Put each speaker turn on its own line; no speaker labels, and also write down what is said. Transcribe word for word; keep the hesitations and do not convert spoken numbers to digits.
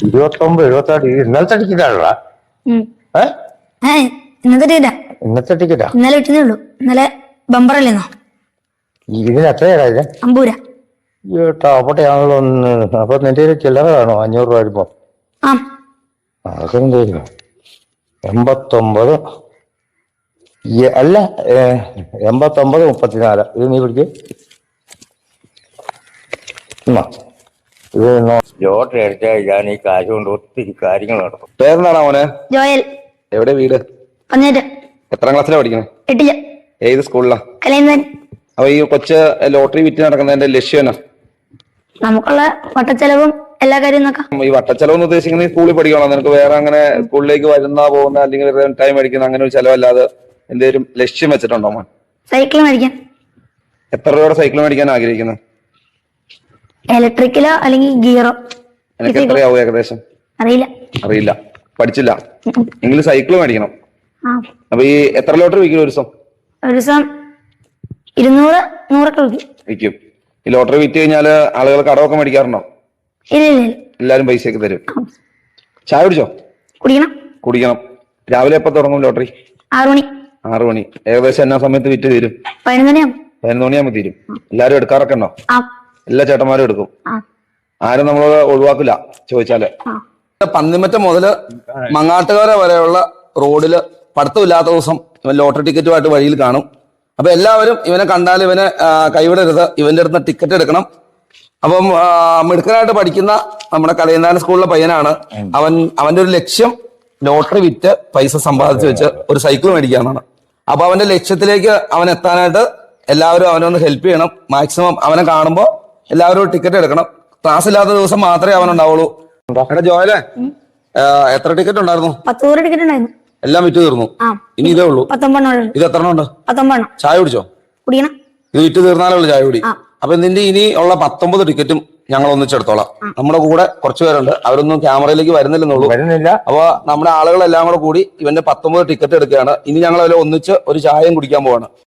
ഇരുപത്തൊമ്പത് എഴുപത്താറ് ഇന്നലത്തെ ടിക്കറ്റാണല്ല
ഇന്നത്തെ ടിക്കറ്റാ
ഇന്നത്തെ ടിക്കറ്റാ
ഇന്നലെ വിട്ടതേ ഉള്ളൂ. ഇന്നലെ ബമ്പറല്ലേന്നോ?
ഇതിന് എത്രയാ ഇത്?
അമ്പൂര.
ടാപ്പട്ടെയാണല്ലോ ഒന്ന്. അപ്പൊ നിന്റെ ചില്ലറ കാണോ അഞ്ഞൂറ് രൂപ വരുമ്പോ?
ആ
അതൊക്കെ എന്തോ എൺപത്തൊമ്പത് അല്ല എൺപത്തൊമ്പത് മുപ്പത്തിനാല്. ഇത് നീ പിടിക്ക്. ഇത് ലോട്ടറി അടിച്ചാൽ ഞാൻ ഈ കാശ് കൊണ്ട് ഒത്തിരി കാര്യങ്ങൾ നടത്തും.
പേരെന്താണോ മോനെ?
ജോയൽ.
എവിടെ വീട്?
പതിനേറ്റ്.
എത്രാം ക്ലാസ്സിലാണ് പഠിക്കണേ?
എട്ടില്.
ഏത് സ്കൂളിലാ?
കലൈന്താൻ.
അപ്പൊ ഈ കൊച്ച് ലോട്ടറി വിറ്റ് നടക്കുന്നതിന്റെ ലക്ഷ്യം എന്നാ?
നമുക്കുള്ള വട്ടച്ചെലവും എല്ലാ കാര്യവും നോക്കാം.
ഈ വട്ടച്ചെലവ് എന്ന് ഉദ്ദേശിക്കുന്നത് സ്കൂളിൽ പഠിക്കണം, നിനക്ക് വേറെ അങ്ങനെ സ്കൂളിലേക്ക് വരുന്ന പോകുന്ന അല്ലെങ്കിൽ ടൈം അടിക്കുന്ന അങ്ങനെ ഒരു ചെലവല്ലാതെ എന്തെങ്കിലും ലക്ഷ്യം വെച്ചിട്ടുണ്ടോ മോൻ?
സൈക്കിൾ മേടിക്കാൻ.
എത്ര രൂപയുടെ സൈക്കിൾ മേടിക്കാൻ ആഗ്രഹിക്കുന്നത്?
ഇലക്ട്രിക്കലോ അല്ലെങ്കിൽ ഗിയറോ.
എനിക്ക് എത്രയാവും ഏകദേശം?
അറിയില്ല.
അറിയില്ല, പഠിച്ചില്ല. എങ്കിലും സൈക്കിൾ മേടിക്കണം.
ആ
അപ്പൊ ഈ എത്ര ലോട്ടറി വിൽക്കും ഒരു ദിവസം?
ഒരു ദിവസം ഇരുന്നൂറ് നൂറൊക്കെ വിൽക്കും.
വിൽക്കും. ഈ ലോട്ടറി വിറ്റ് കഴിഞ്ഞാല് ആളുകൾ കടമൊക്കെ മേടിക്കാറുണ്ടോ?
ഇല്ല ഇല്ല ഇല്ല.
എല്ലാരും പൈസയൊക്കെ തരും. ചായ കുടിച്ചോ?
കുടിക്കണം.
കുടിക്കണം. രാവിലെ എപ്പോ തുടങ്ങും ലോട്ടറി?
ആറു മണി.
ആറു മണി. ഏകദേശം എന്നാ സമയത്ത് വിറ്റ് തീരും?
പതിനൊന്ന് മണിയാവും.
പതിനൊന്ന് മണിയാകുമ്പോ തീരും. എല്ലാരും എടുക്കാറൊക്കെ ഉണ്ടോ?
ആ
എല്ലാ ചേട്ടന്മാരും എടുക്കും. ആരും നമ്മൾ ഒഴിവാക്കില്ല ചോദിച്ചാല്. പന്നിമറ്റം മുതല് മങ്ങാട്ടുകര വരെയുള്ള റോഡില് പഠിത്തമില്ലാത്ത ദിവസം ഇവൻ ലോട്ടറി ടിക്കറ്റുമായിട്ട് വഴിയിൽ കാണും. അപ്പൊ എല്ലാവരും ഇവനെ കണ്ടാൽ ഇവനെ കൈവിടരുത്, ഇവന്റെ അടുത്ത് ടിക്കറ്റ് എടുക്കണം. അപ്പം മിടുക്കനായിട്ട് പഠിക്കുന്ന നമ്മുടെ കലയന്താനം സ്കൂളിലെ പയ്യനാണ് അവൻ. അവന്റെ ഒരു ലക്ഷ്യം ലോട്ടറി വിറ്റ് പൈസ സമ്പാദിച്ചു വെച്ച് ഒരു സൈക്കിൾ മേടിക്കാന്നാണ്. അപ്പൊ അവന്റെ ലക്ഷ്യത്തിലേക്ക് അവൻ എത്താനായിട്ട് എല്ലാവരും അവനൊന്ന് ഹെൽപ്പ് ചെയ്യണം. മാക്സിമം അവനെ കാണുമ്പോൾ എല്ലാവരും ടിക്കറ്റ് എടുക്കണം. ക്ലാസ് ഇല്ലാത്ത ദിവസം മാത്രമേ അവനുണ്ടാവുള്ളൂ. എടാ ജോയലേ, എത്ര ടിക്കറ്റ് ഉണ്ടായിരുന്നു?
പത്തൂറ് ടിക്കറ്റ് ഉണ്ടായിരുന്നു.
എല്ലാം വിറ്റ് തീർന്നു. ഇനി ഇതേ ഉള്ളൂ.
പത്തൊമ്പതെണ്ണം.
ഇത് എത്ര ഉണ്ട്?
പത്തൊമ്പതെണ്ണം.
ചായ കുടിച്ചോ?
കുടിക്കണം.
ഇത് വിറ്റ് തീർന്നാലേ ഉള്ളു ചായ കുടി. അപ്പൊ നിന്റെ ഇനി ഉള്ള പത്തൊമ്പത് ടിക്കറ്റും ഞങ്ങൾ ഒന്നിച്ചെടുത്തോളാം. നമ്മുടെ കൂടെ കുറച്ചു പേരുണ്ട്, അവരൊന്നും ക്യാമറയിലേക്ക് വരുന്നില്ലെന്നുള്ളൂ.
വരുന്നില്ല.
അപ്പൊ നമ്മുടെ ആളുകളെല്ലാം കൂടെ കൂടി ഇവന്റെ പത്തൊമ്പത് ടിക്കറ്റ് എടുക്കുകയാണ്. ഇനി ഞങ്ങൾ അതിൽ ഒന്നിച്ച് ഒരു ചായയും കുടിക്കാൻ പോവാണ്.